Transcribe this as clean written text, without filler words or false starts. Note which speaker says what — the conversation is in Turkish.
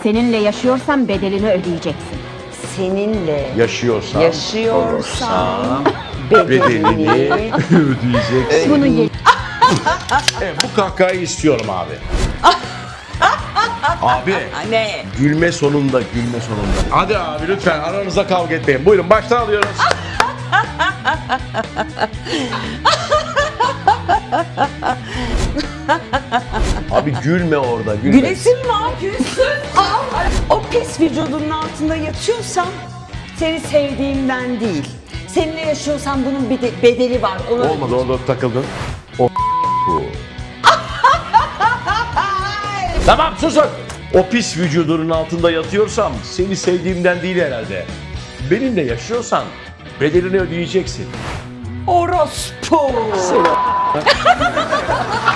Speaker 1: Seninle yaşıyorsam bedelini ödeyeceksin.
Speaker 2: Seninle
Speaker 3: Yaşıyorsam bedelini ödeyeceksin.
Speaker 1: Bunu ye.
Speaker 3: Evet, bu kahkahayı istiyorum abi. Abi.
Speaker 2: ne?
Speaker 3: Gülme sonunda, gülme sonunda. Hadi abi lütfen aranızda kavga etmeyin. Buyurun baştan alıyoruz. Abi gülme orada, gülme.
Speaker 2: Gülesin mi yapıyorsun? O pis vücudunun altında yatıyorsam seni sevdiğimden değil. Seninle yaşıyorsam bunun bir bedeli var. Onu
Speaker 3: Olmadı, orada takıldın. O bu. Tamam susun. O pis vücudunun altında yatıyorsam seni sevdiğimden değil herhalde. Benimle yaşıyorsan bedelini ödeyeceksin.
Speaker 2: Orospu.